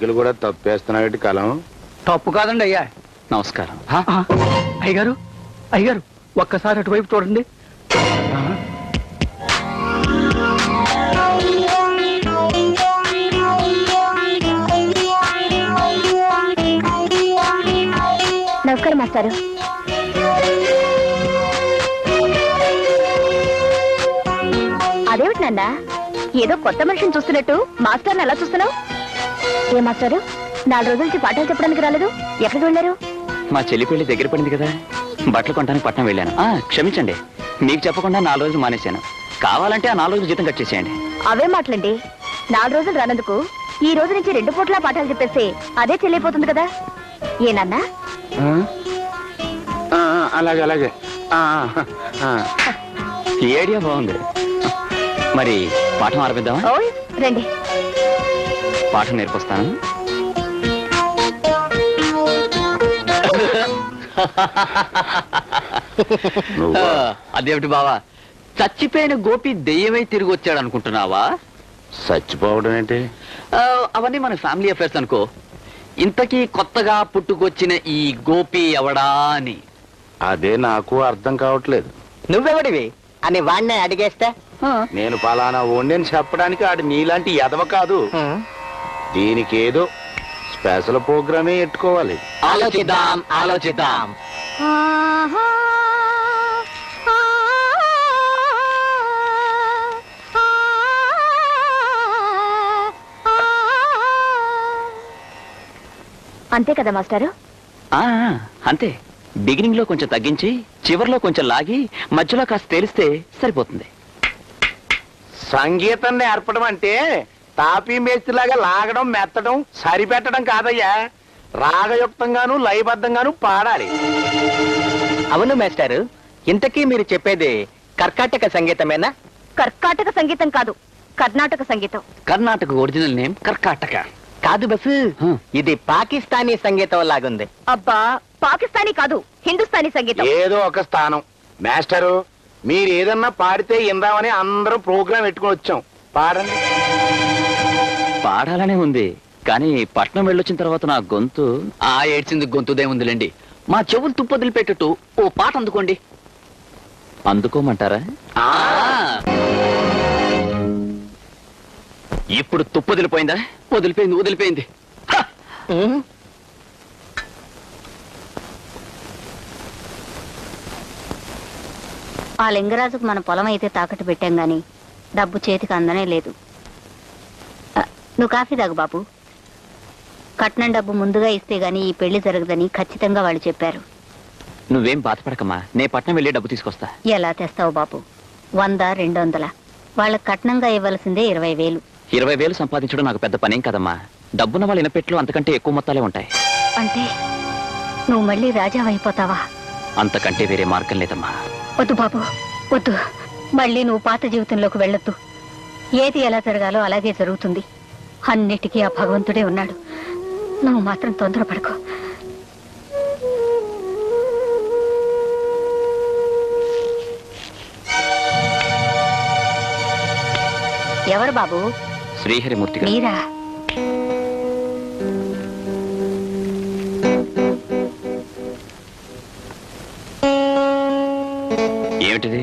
Cycle కూడా తప్పేస్తున్నాడు కలం. తప్పు కాదండి అయ్యా. నమస్కారం. అయ్యగారు అయ్యగారు ఒక్కసారి అటువైపు చూడండి. నమస్కారం మాస్టారు. అదేమిటి నాన్న ఏదో కొత్త మనిషిని చూస్తున్నట్టు మాస్టర్ని ఎలా చూస్తున్నావు? ఏ మాస్టారు 4 రోజుల నుంచి పాఠాలు చెప్పడానికి రాలేదు, ఎక్కడికి వెళ్ళారు? మా చెల్లి పెళ్లి దగ్గర పడింది కదా, బట్టలు కొనడానికి పట్నం వెళ్ళాను. క్షమించండి, మీకు చెప్పకుండా 4 రోజులు మానేశాను. కావాలంటే ఆ 4 రోజులు జీతం కట్ చేసేయండి. అవే మాటలండి. 4 రోజులు రానందుకు ఈ రోజు నుంచి 2 పూట్ల పాఠాలు చెప్పేస్తే అదే చెల్లిపోతుంది కదా. ఏనన్నా? అలాగే అలాగే. ఈ ఐడియా బాగుంది. మరి పాఠం ఆరంభిద్దామా? ఓయ్ రండి. పాఠం నేర్పిస్తాను. అదేమిటి బావా, చచ్చిపోయిన గోపి దెయ్యమై తిరిగి వచ్చాడు అనుకుంటున్నావా? చచ్చిపోవడం ఏంటి? అవన్నీ మన ఫ్యామిలీ అఫేర్స్ అనుకో. ఇంతకీ కొత్తగా పుట్టుకొచ్చిన ఈ గోపి ఎవడా అని అదే నాకు అర్థం కావట్లేదు. నువ్వెవడివి అని వాడిని అడిగేస్తే నేను పలానా ఓండని చెప్పడానికి ఆడు నీలాంటి ఎదవ కాదు. దీనికి ఏదో స్పెషల్ ప్రోగ్రామే ఎట్టుకోవాలి. ఆలోచిద్దాం ఆలోచిద్దాం. అంతే కదా మాస్టారు? అంతే. బిగినింగ్ లో కొంచెం తగ్గించి చివర్లో కొంచెం లాగి మధ్యలో కాస్త తేలిస్తే సరిపోతుంది. సంగీతం నేర్పడం అంటే తాపీ మేస్త్రిలాగా లాగడం మెత్తడం సరిపెట్టడం కాదయ్యా. రాగయుక్తంగాను లయబద్ధంగాను పాడాలి. అవును మాస్టారు, ఇంతకీ మీరు చెప్పేది కర్కాటక సంగీతమేనా? కర్కాటక సంగీతం కాదు, కర్ణాటక సంగీతం. కర్ణాటక ఒరిజినల్ నేమ్ కర్కాటక కాదు బస్సు, ఇది పాకిస్తానీ సంగీతం లాగుంది. అబ్బా, పాకిస్తానీ కాదు, హిందుస్థానీ సంగీతం. ఏదో ఒక స్థానం. మాస్టరు, మీరు ఏదన్నా పాడితే ఇందామని అందరం ప్రోగ్రాం పెట్టుకుని వచ్చాం. పాడండి. పాడాలనే ఉంది, కానీ పట్నం వెళ్ళొచ్చిన తర్వాత నా గొంతు ఏడ్చింది. గొంతుదే ఉందిలేండి. మా చెవులు తుప్పొదిలి పెట్టట్టు ఓ పాట అందుకోండి. అందుకోమంటారా? ఇప్పుడు తుప్పొదిలిపోయిందా? వదిలిపోయింది వదిలిపోయింది. ఆ లింగరాజుకు మన పొలం అయితే తాకట్టు పెట్టాం గాని డబ్బు చేతికి అందనే లేదు. నువ్వు కాఫీ తాగు బాబు. కట్నం డబ్బు ముందుగా ఇస్తే గాని ఈ పెళ్లి జరగదని ఖచ్చితంగా వాళ్ళు చెప్పారు. నువ్వేం బాధపడకమ్మా, నే పట్నం వెళ్ళి డబ్బు తీసుకొస్తా. ఎలా తెస్తావు బాబు? 100, 200 వాళ్ళకి కట్నంగా ఇవ్వాల్సిందే 20,000. 20,000 సంపాదించడం నాకు పెద్ద పనేం కదమ్మా. డబ్బున్న వాళ్ళ ఇనపెట్లో అంతకంటే ఎక్కువ మొత్తాలే ఉంటాయి. అంటే నువ్వు మళ్ళీ రాజావైపోతావా? అంతకంటే వేరే మార్గం లేదమ్మా. వద్దు బాబు వద్దు. మళ్ళీ నువ్వు పాత జీవితంలోకి వెళ్ళొద్దు. ఏది ఎలా జరగాలో అలాగే జరుగుతుంది. అన్నిటికీ ఆ భగవంతుడే ఉన్నాడు. నువ్వు మాత్రం తొందరపడకు. ఎవరు బాబు? శ్రీహరిమూర్తి గారు. మీరా? ఏమిటిది?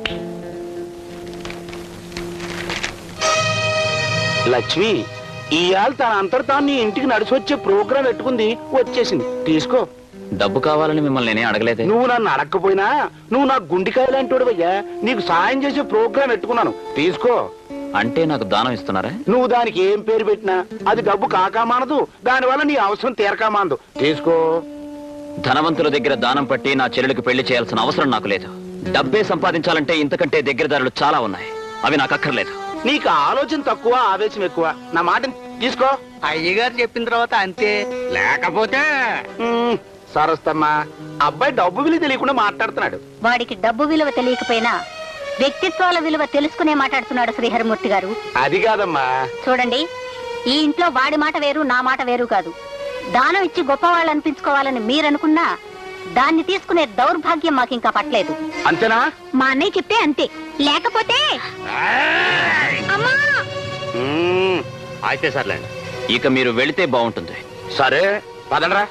లక్ష్మి, ఇవాళ తన అంతట తాను నీ ఇంటికి నడిచి వచ్చే ప్రోగ్రాం పెట్టుకుంది, వచ్చేసింది. తీసుకో. డబ్బు కావాలని మిమ్మల్ని నేనే అడగలేదే. నువ్వు నన్ను అడగకపోయినా నువ్వు నా గుండెకాయలాంటోడువయ్యా. నీకు సాయం చేసే ప్రోగ్రాం పెట్టుకున్నాను, తీసుకో. అంటే నాకు దానం ఇస్తున్నారా? నువ్వు దానికి ఏం పేరు పెట్టినా అది డబ్బు కాకామానదు, దానివల్ల నీ అవసరం తీరకామానదు. తీసుకో. ధనవంతుల దగ్గర దానం పట్టి నా చెల్లెలకు పెళ్లి చేయాల్సిన అవసరం నాకు లేదు. డబ్బే సంపాదించాలంటే ఇంతకంటే దగ్గరదారులు చాలా ఉన్నాయి, అవి నాకు అక్కర్లేదు. నీకు ఆలోచన తక్కువ, ఆవేశం ఎక్కువ. నా మాట తీసుకో. అయ్యగారు చెప్పిన తర్వాత అంతే, లేకపోతే సరస్తమ్మా, అబ్బాయి డబ్బు విలువ తెలియకుండా మాట్లాడుతున్నాడు. వాడికి డబ్బు విలువ తెలియకపోయినా వ్యక్తిత్వాల విలువ తెలుసుకునే మాట్లాడుతున్నాడు శ్రీహరిమూర్తి గారు. అది కాదమ్మా. చూడండి, ఈ ఇంట్లో వాడి మాట వేరు, నా మాట వేరు కాదు. దానం ఇచ్చి గొప్పవాళ్ళు అనిపించుకోవాలని మీరనుకున్నా దాన్ని తీసుకునే దౌర్భాగ్యం మాకింకా పట్టలేదు. అంతేనా? మా అన్నయ్య చెప్తే అంతే, లేకపోతే అయితే సర్లేండి. ఇక మీరు వెళితే బాగుంటుంది. సరే పదండ్రా.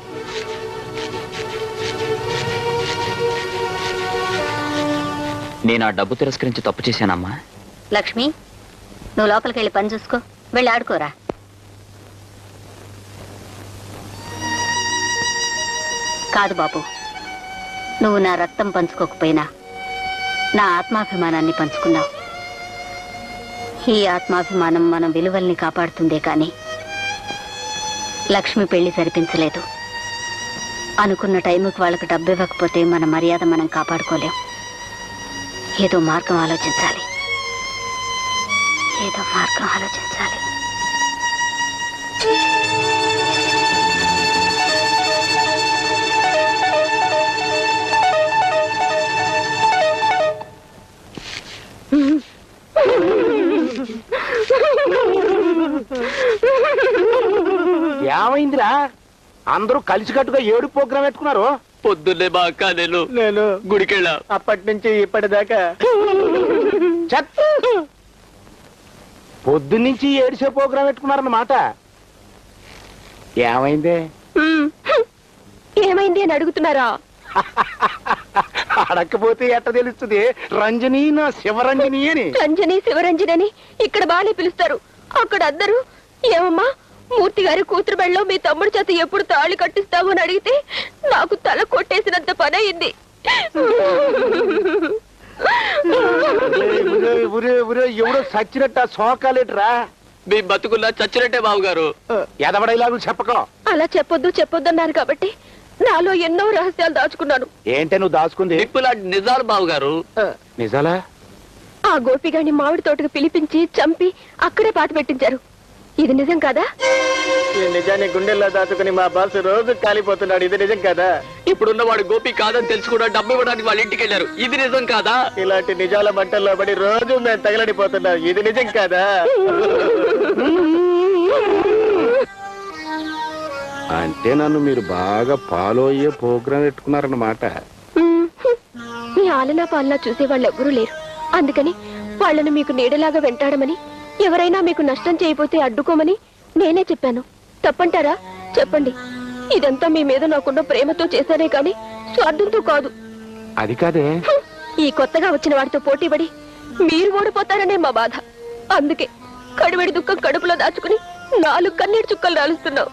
నేను ఆ డబ్బు తిరస్కరించి తప్పు చేశానమ్మా. లక్ష్మి, నువ్వు లోపలికి వెళ్ళి పని చూసుకో, వెళ్ళి ఆడుకోరా. కాదు బాబు, నువ్వు నా రక్తం పంచుకోకపోయినా నా ఆత్మాభిమానాన్ని పంచుకున్నావు. ఈ ఆత్మాభిమానం మన విలువల్ని కాపాడుతుందే కానీ లక్ష్మి పెళ్లి సరిపించలేదు. అనుకున్న టైంకి వాళ్ళకి డబ్బు ఇవ్వకపోతే మన మర్యాద మనం కాపాడుకోలేం. ఏదో మార్గం ఆలోచించాలి, ఏదో మార్గం ఆలోచించాలి. ఏమైందిరా? అందరూ కలిసికట్టుగా ఏడు ప్రోగ్రాం పెట్టుకున్నారు. పొద్దున్నే మా అక్క నేను గుడికెళ్ళా. అప్పటి నుంచి ఇప్పటిదాకా పొద్దున్నుంచి ఏడిసే ప్రోగ్రాం పెట్టుకున్నారన్నమాట. ఏమైంది? ఏమైంది అని అడుగుతున్నారా? అడక్కపోతే ఎట్ట తెలుస్తుంది? రంజని నా శివరంజని అని. రంజని శివరంజని అని ఇక్కడ బాగానే పిలుస్తారు. అక్కడ అందరూ ఏమమ్మా మూర్తి గారి కూతురు బెళ్ళలో మీ తమ్ముడి చేత ఎప్పుడు తాళి కట్టిస్తావు అని అడిగితే నాకు తల కొట్టేసినంత పని అయింది. ఎవడో సచ్చినట్ట సోకాలేట్రా. మీ బతుకున్నా చచ్చినట్టే బాబుగారు. ఎదవడైలాగు చెప్పకో. అలా చెప్పొద్దు అన్నారు కాబట్టి నాలో ఎన్నో రహస్యాలు దాచుకున్నాను. ఏంటే నువ్వు దాచుకుంది? నిప్పులాంటి నిజాలు బాబుగారు. నిజాలా? ఆ గోపిగాడిని మామిడి తోటకు పిలిపించి చంపి అక్కడే పాట పెట్టించారు. ఇది నిజం కాదా? ఈ నిజాన్ని గుండెల్లో దాచుకుని మా బాస్ రోజు కాలిపోతున్నాడు. ఇది నిజం కాదా? ఇప్పుడున్న వాడు గోపి కాదని తెలుసు కూడా డబ్బు ఇవ్వడానికి వాళ్ళ ఇంటికి వెళ్ళారు. ఇది నిజం కాదా? ఇలాంటి నిజాల మంటల్లో పడి రోజు మేము తగలడిపోతున్నాం. ఇది నిజం కాదా? అంటే నన్ను మీరు బాగా ఫాలో అయ్యే ప్రోగ్రాం పెట్టుకున్నారన్నమాట. మీ ఆలనా పాలనా చూసే వాళ్ళు ఎవ్వరూ లేరు. అందుకని వాళ్ళను మీకు నీడలాగా వెంటాడమని, ఎవరైనా మీకు నష్టం చేయబోతే అడ్డుకోమని నేనే చెప్పాను. తప్పంటారా? చెప్పండి. ఇదంతా మీ మీద నాకున్న ప్రేమతో చేశానే కాని స్వార్థంతో కాదు. అది కాదే, ఈ కొత్తగా వచ్చిన వాడితో పోటీపడి మీరు ఓడిపోతారనే మా బాధ. అందుకే కడువెడి దుఃఖం కడుపులో దాచుకుని 4 కన్నీటి చుక్కలు రాలుస్తున్నావు.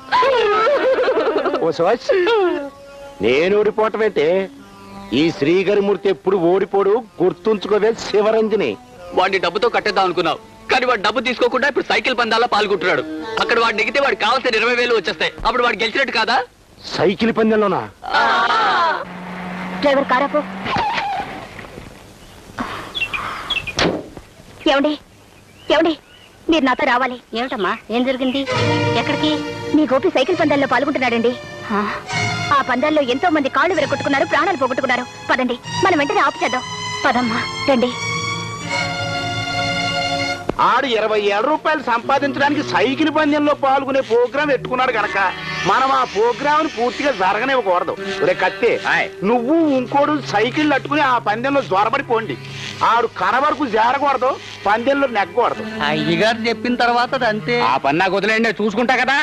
నేను ఓడిపోవటమైతే ఈ శ్రీగరిమూర్తి ఎప్పుడు ఓడిపోడు. గుర్తుంచుకోవే శివరంజని. వాడిని డబ్బుతో కట్టేద్దాం అనుకున్నావు, కానీ వాడు డబ్బు తీసుకోకుండా ఇప్పుడు సైకిల్ పందాల్లో పాల్గొంటున్నాడు. అక్కడ వాడు నెగితే వాడు కావాల్సిన 20,000 వచ్చేస్తాయి. అప్పుడు వాడు గెలిచినట్టు కాదా? సైకిల్ పందెంలోనా? డ్రైవర్ కారాపు. ఏమండి ఏమండి, మీరు నాతో రావాలి. ఏమిటమ్మా, ఏం జరిగింది? ఎక్కడికి? మీ గోపి సైకిల్ పందాల్లో పాల్గొంటున్నాడండి. ఆ పందాల్లో ఎంతో మంది కాళ్ళు విరగొట్టుకున్నారు, ప్రాణాలు పోగొట్టుకున్నారు. పదండి, మనం వెంటనే ఆపు చేద్దాం. పదమ్మా, రండి. ఆడు 27 రూపాయలు సంపాదించడానికి సైకిల్ పందెంలో పాల్గొనే ప్రోగ్రాం పెట్టుకున్నాడు గనక మనం ఆ ప్రోగ్రామ్ పూర్తిగా జరగనివ్వకూడదు. ఒరే కత్తే, నువ్వు ఇంకోడు సైకిల్ అట్టుకుని ఆ పందెంలో జ్వరపడిపోండి. ఆడు కర వరకు చేరకూడదు, పందెంలో నెగ్గకూడదు. అయ్యగారు చెప్పిన తర్వాత అంతే. ఆ పని నాకు వదిలేండి, చూసుకుంటా కదా.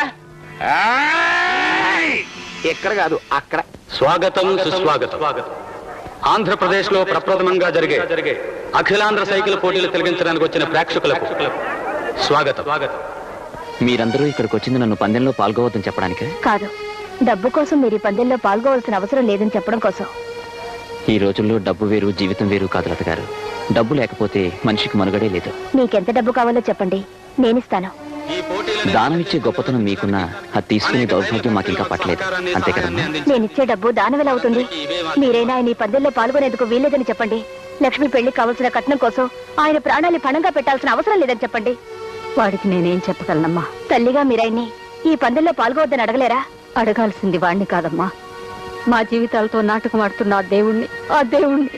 ఎక్కడ కాదు అక్కడ. స్వాగతం సుస్వాగతం. ఆంధ్రప్రదేశ్ లో ప్రప్రథమంగా జరిగే అఖిలాంధ్ర సైకిల్ పోటీలు తిలకించడానికి వచ్చిన ప్రేక్షకులకు స్వాగతం. మీరందరూ ఇక్కడికి వచ్చింది నన్ను పందెంలో పాల్గొవద్దని చెప్పడానికే? కాదు, డబ్బు కోసం మీరు ఈ పందెంలో పాల్గొవలసిన అవసరం లేదని చెప్పడం కోసం. ఈ రోజుల్లో డబ్బు వేరు జీవితం వేరు కాదు లత గారు. డబ్బు లేకపోతే మనిషికి మనుగడే లేదు. మీకెంత డబ్బు కావాలో చెప్పండి, నేనిస్తాను. దానం ఇచ్చే గొప్పతనం మీకున్నా అది తీసుకునే దౌర్భాగ్యం మాకు ఇంకా పట్టలేదు. అంతే కదమ్మా? నేనిచ్చే డబ్బు దానం ఎలా అవుతుంది? మీరైనా ఆయన ఈ పందెంలో పాల్గొనేందుకు వీల్లేదని చెప్పండి. లక్ష్మి పెళ్లి కావాల్సిన కట్నం కోసం ఆయన ప్రాణాన్ని పణంగా పెట్టాల్సిన అవసరం లేదని చెప్పండి. వాడికి నేనేం చెప్పగలనమ్మా? తల్లిగా మీరాయన్ని ఈ పందెంలో పాల్గొవద్దని అడగలేరా? అడగాల్సింది వాణ్ణి కాదమ్మా, మా జీవితాలతో నాటకం ఆడుతున్న ఆ దేవుణ్ణి.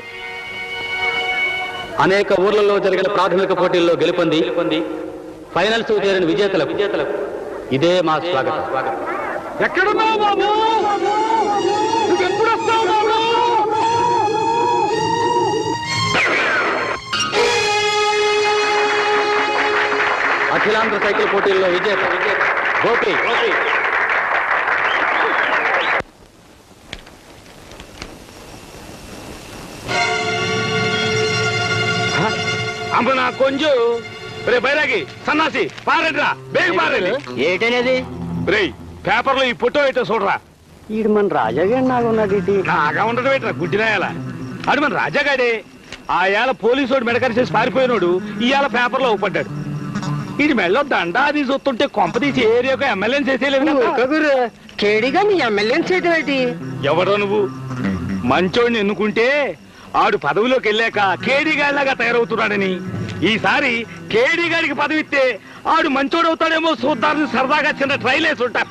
అనేక ఊర్లలో జరిగిన ప్రాథమిక పోటీల్లో గెలుపొంది ఫైనల్స్ చేరిన విజేతలకు ఇదే మా స్వాగతం. ఎక్కడున్నావు బాబు? ఎప్పుడు వస్తావు బాబు? అఖిలాంధ్ర సైకిల్ పోటీల్లో విజేత గోపి అమ్మ నా కొంచెం రే బైరాగి సన్నాసి పారండిరా బేగ పారండి. ఏటనేది రే పేపర్లో ఈ ఫోటో ఏంటో చూడరా. ఈడు మన రాజాగారు నాకున్నాడు ఇటు. నాగా ఉండడం ఏంట్రా గుడ్డినాయాల అడు మన రాజాగాడే. ఆ ఏళ పోలీసు మెడకరి చేసి పారిపోయినోడు ఇవాళ పేపర్లో ఊపడ్డాడు. ఇది మెళ్ళో దండాది చూస్తుంటే కొంపదీసి ఏరియాకు ఎమ్మెల్యేని చేసేయలేదు. కేడిగా నీ ఎమ్మెల్యేని చేయటం ఏంటి? ఎవడో నువ్వు మంచోడిని ఎన్నుకుంటే ఆడు పదవిలోకి వెళ్ళాక కేడీగాడిలాగా తయారవుతున్నాడని, ఈసారి కేడీగాడికి పదవి ఇస్తే ఆడు మంచోడవుతాడేమో చూద్దామని సరదాగా చిన్న ట్రైల్ వేసి ఉంటా.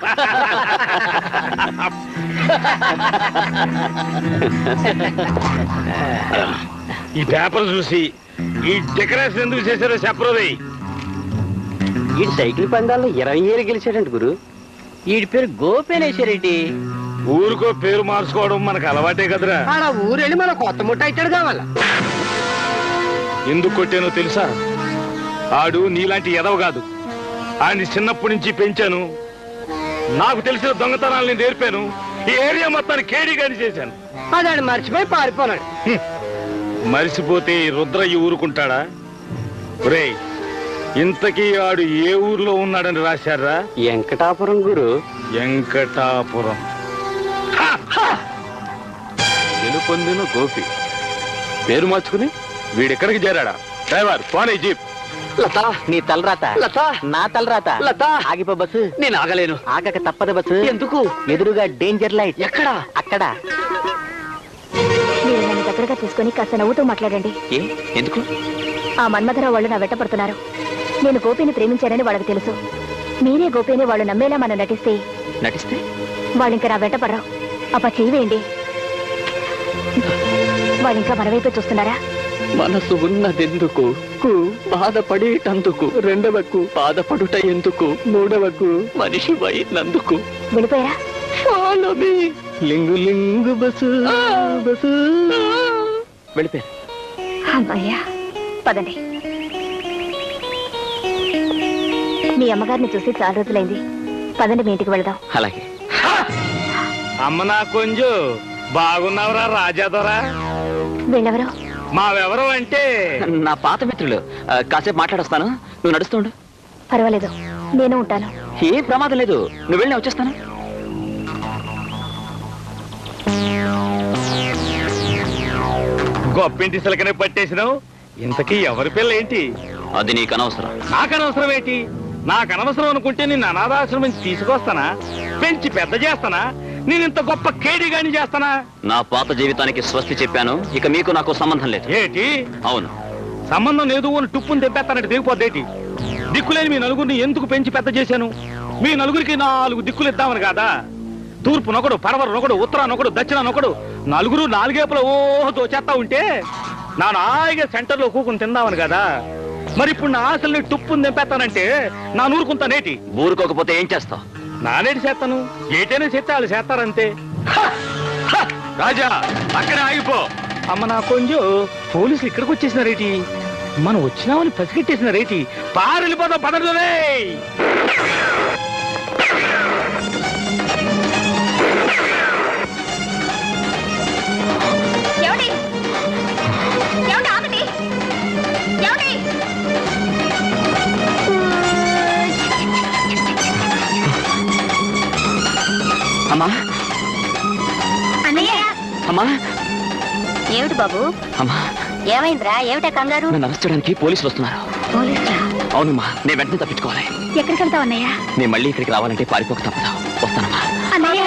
ఈ పేపర్ చూసి ఈ డెకరేషన్ ఎందుకు చేశారో చెప్పరోయ్. ఈ సైకిల్ పందాల్లో 20 ఏళ్ళు గెలిచాడంట గురు. ఈడి పేరు గోపేనేశ్వరెడ్డి. ఊరికో పేరు మార్చుకోవడం మనకు అలవాటే కదరా. ఆడ ఊరెళ్ళి మన కొత్త ముట్ట ఇచ్చాడు కావాల. ఎందుకు కొట్టానో తెలుసా? ఆడు నీలాంటి ఎదవ కాదు. ఆయన్ని చిన్నప్పటి నుంచి పెంచాను. నాకు తెలిసిన దొంగతనాల్ని నేర్పాను. ఈ ఏరియా మొత్తాన్ని కేడీగాని చేశాను. అదాడు మర్చిపోయి పారిపోనాడు. మరిసిపోతే రుద్రయ్య ఊరుకుంటాడా? రేయ్, ఇంతకీ ఆడు ఏ ఊర్లో ఉన్నాడని రాశారా? వెంకటాపురం గురు. వెంకటాపురం. గెలుపొందిన గోపి పేరు మార్చుకుని వీడెక్కడికి చేరాడా? Driver phone jeep. లత నీ తలరాత. లత నా తలరాత. లత ఆగిపో బస్సు. నేను ఆగలేను. ఆగక తప్పదు బస్సు. ఎందుకు? ఎదురుగా డేంజర్ లైట్. ఎక్కడ? అక్కడ. మీరు నన్ను దగ్గరగా తీసుకుని కాస్త నవ్వుతూ మాట్లాడండి. ఏ ఎందుకు? ఆ మన్మధరావు వాళ్ళు నా వెంటపడుతున్నారు. నేను గోపిని ప్రేమించానని వాళ్ళకి తెలుసు. మీరే గోపిని వాళ్ళు నమ్మేలా మనం నటిస్తే వాళ్ళు ఇంకా నా వెంటపడరు. అప్ప చెయ్యండి. వాళ్ళు ఇంకా మన వైపే చూస్తున్నారా? మనసు ఉన్నదెందుకు, బాధపడేటందుకు, రెండవకు బాధపడుట ఎందుకు, మూడవకు మనిషి అయినందుకు. వెళ్ళిపోయారా? లింగు లింగు బసు బసు. వెళ్ళిపోయారు. అమ్మయ్యా, పదండి. మీ అమ్మగారిని చూసి చాలా రోజులైంది. పదండి, మీ ఇంటికి వెళదాం. అలాగే. అమ్మ నా కొంచెం బాగున్నావురా రాజాదొరా. వీళ్ళెవరు? మావెవరు అంటే నా పాత మిత్రులు. కాసేపు మాట్లాడొస్తాను, నువ్వు నడుస్తుండు. పర్వాలేదు, నేను ఉంటాను. ఏం ప్రమాదం లేదు, నువ్వు వెళ్ళి వచ్చేస్తాను. గొప్పింటి సిలకనే పట్టేసినావు. ఇంతకీ ఎవరి పిల్ల ఏంటి? అది నీకు అనవసరం. నాకనవసరం ఏంటి? నాకనవసరం అనుకుంటే నిన్ను అనాథాశ్రమం తీసుకొస్తానా? పెంచి పెద్ద చేస్తానా? నేను ఇంత గొప్ప కేడీగాని చేస్తానా? నా పాత జీవితానికి స్వస్తి చెప్పాను. ఇక మీకు నాకు సంబంధం లేదు. ఏంటి అవును, సంబంధం లేదు అని టుప్పుని తెప్పేస్తానంటే దిగిపోద్దేటి? దిక్కులేని మీ నలుగురిని ఎందుకు పెంచి పెద్ద చేశాను? మీ నలుగురికి 4 దిక్కులు ఇద్దామని కాదా? తూర్పు నొకడు, పడవరు నొకడు, ఉత్తరానొకడు, దక్షిణానొకడు, నలుగురు 4 వైపుల ఓహో చేస్తా ఉంటే నా నాయిగా సెంటర్లో కూకుని తిందామని కదా. మరి ఇప్పుడు నా ఆశల్ని టుప్పుని తెంపేస్తానంటే నా నూరుకుంటానేటి? ఊరుకోకపోతే ఏం చేస్తావు? నానేటి చేస్తాను. ఏటైనా చేస్తే వాళ్ళు చేస్తారంతే. రాజా అక్కడే ఆగిపో. అమ్మ నా కొంచెం పోలీసులు ఇక్కడికి వచ్చేసినారేటి? మనం వచ్చినామని పసిగట్టేసినారేటి? పారెళ్ళిపోతాం పదరులే. అమ్మా అన్నయ్య, అమ్మా ఏమిటి బాబు? అమ్మా, ఏమైందిరా? ఏమిటా కంగారు? నన్ను అరెస్ట్ చేయడానికి పోలీసులు వస్తున్నారు. పోలీసులా? అవునమ్మా, నేను వెంటనే తప్పించుకోవాలి. ఎక్కడికి వెళ్తావు అన్నయ్య? నేను మళ్ళీ ఇక్కడికి రావాలంటే పారిపోక తప్పదు. వస్తానమ్మా. అన్నయ్య,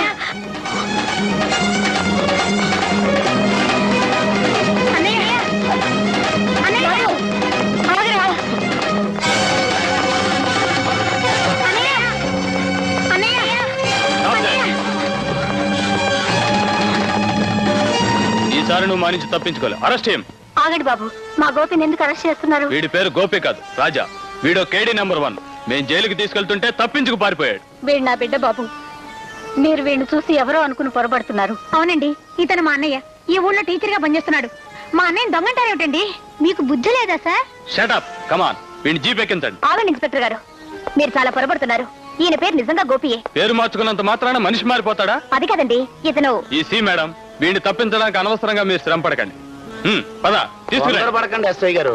ఈసారి నువ్వు మా నుంచి తప్పించుకోలే. అరెస్ట్ చేయం. ఆగండి బాబు, మా గోపిని ఎందుకు అరెస్ట్ చేస్తున్నారు? వీడి పేరు గోపి కాదు, రాజా. వీడో కేడీ నెంబర్ 1. మేము జైలుకి తీసుకెళ్తుంటే తప్పించుకు పారిపోయాడు. వీడు నా బిడ్డ బాబు. మీరు వీడిని చూసి ఎవరో అనుకుని పొరపడుతున్నారు. అవునండి, ఇతను మా అన్నయ్య. ఈ ఊళ్ళో టీచర్ గా పనిచేస్తున్నాడు. మా అన్నయ్య దొంగంటారేమిటండి? మీకు బుద్ధి లేదా sir? Shut up, come on. వీడిని జీప్ ఎక్కించండి. ఆగండి ఇన్స్పెక్టర్ గారు, మీరు చాలా పొరపడుతున్నారు. ఈయన పేరు నిజంగా గోపియే. పేరు మార్చుకున్నంత మాత్రాన మనిషి మారిపోతాడా? అది కదండి, ఇతను ఈ సి మేడం, వీడిని తప్పించడానికి అనవసరంగా మీరు శ్రమ పడకండి. పద తీసుకురా. పడకండి ఎస్ఐ గారు.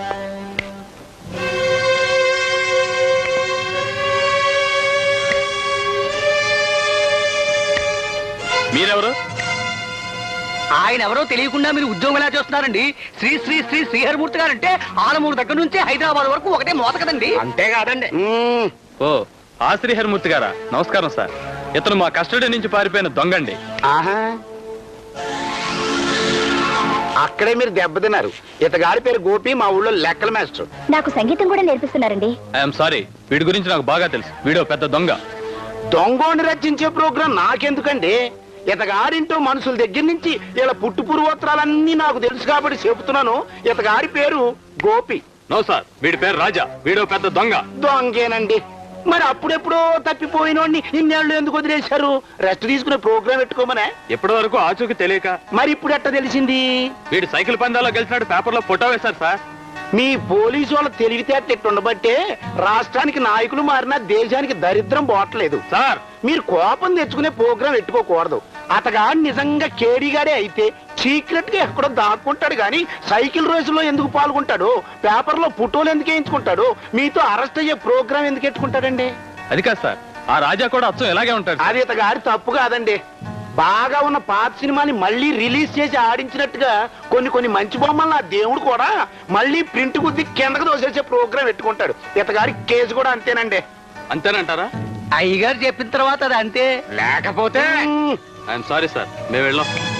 మీరెవరు? ఆయన ఎవరో తెలియకుండా మీరు ఉద్యోగం ఎలా చేస్తున్నారండి? శ్రీ శ్రీ శ్రీ శ్రీహరిమూర్తి గారంటే ఆలమూరు దగ్గర నుంచి హైదరాబాద్ వరకు ఒకటే మోత కదండి. అంతేకాదండి. ఓ, ఆ శ్రీహరిమూర్తి గారా? నమస్కారం సార్. ఇతను మా కస్టడీ నుంచి పారిపోయిన దొంగండి. ఆహా, అక్కడే మీరు దెబ్బతిన్నారు. ఇతగాడి పేరు గోపి, మా ఊళ్ళో లెక్కల మాస్టర్. నాకు సంగీతం కూడా నేర్పిస్తున్నారండి. ఐఎమ్ సారీ, వీడి గురించి నాకు బాగా తెలుసు. వీడో పెద్ద దొంగ. దొంగోని రచించే ప్రోగ్రాం నాకెందుకండి? ఇతగాడింటో మనుషుల దగ్గర నుంచి ఇలా పుట్టు పూర్వోత్తరాలన్నీ నాకు తెలుసు కాబట్టి చెబుతున్నాను. ఇతగాడి పేరు గోపి. నో సార్, వీడి పేరు రాజా. వీడో పెద్ద దొంగ. దొంగేనండి. మరి అప్పుడెప్పుడో తప్పిపోయినోడిని ఇన్నేళ్ళు ఎందుకు వదిలేశారు? రెస్ట్ తీసుకునే ప్రోగ్రాం పెట్టుకోమనే. ఎప్పటి వరకు ఆచూకి తెలియక. మరి ఇప్పుడు ఎట్ట తెలిసింది? వీడు సైకిల్ పందాల్లో గెలిచినట్టు పేపర్లో ఫోటో వేశారు సార్. మీ పోలీసు వాళ్ళ తెలివితేటలు ఉండబట్టే రాష్ట్రానికి నాయకులు మారినా దేశానికి దరిద్రం పోవట్లేదు. సార్, మీరు కోపం తెచ్చుకునే ప్రోగ్రాం పెట్టుకోకూడదు. అతగాడు నిజంగా కేడీగాడే అయితే సీక్రెట్ గా ఎక్కడో దాక్కుంటాడు గాని సైకిల్ రేసులో ఎందుకు పాల్గొంటాడు? పేపర్లో ఫోటోలు ఎందుకు వేయించుకుంటాడు? మీతో అరెస్ట్ అయ్యే ప్రోగ్రాం ఎందుకు ఎట్టుకుంటాడండి? అది కాదు సార్, ఆ రాజా కూడా అచ్చం ఎలాగే ఉంటాడు. అది ఇతగాడి తప్పు కాదండి. బాగా ఉన్న పాత సినిమాని మళ్ళీ రిలీజ్ చేసి ఆడించినట్టుగా కొన్ని మంచి బొమ్మలు ఆ దేవుడు కూడా మళ్ళీ ప్రింట్ గుద్ది కిందకు దోసేసే ప్రోగ్రాం పెట్టుకుంటాడు. ఇతగాడి కేసు కూడా అంతేనండి. అంతేనంటారా? అయ్యగారు చెప్పిన తర్వాత అది అంతే. లేకపోతే ఐఎమ్ సారీ సార్, మేము వెళ్ళాం.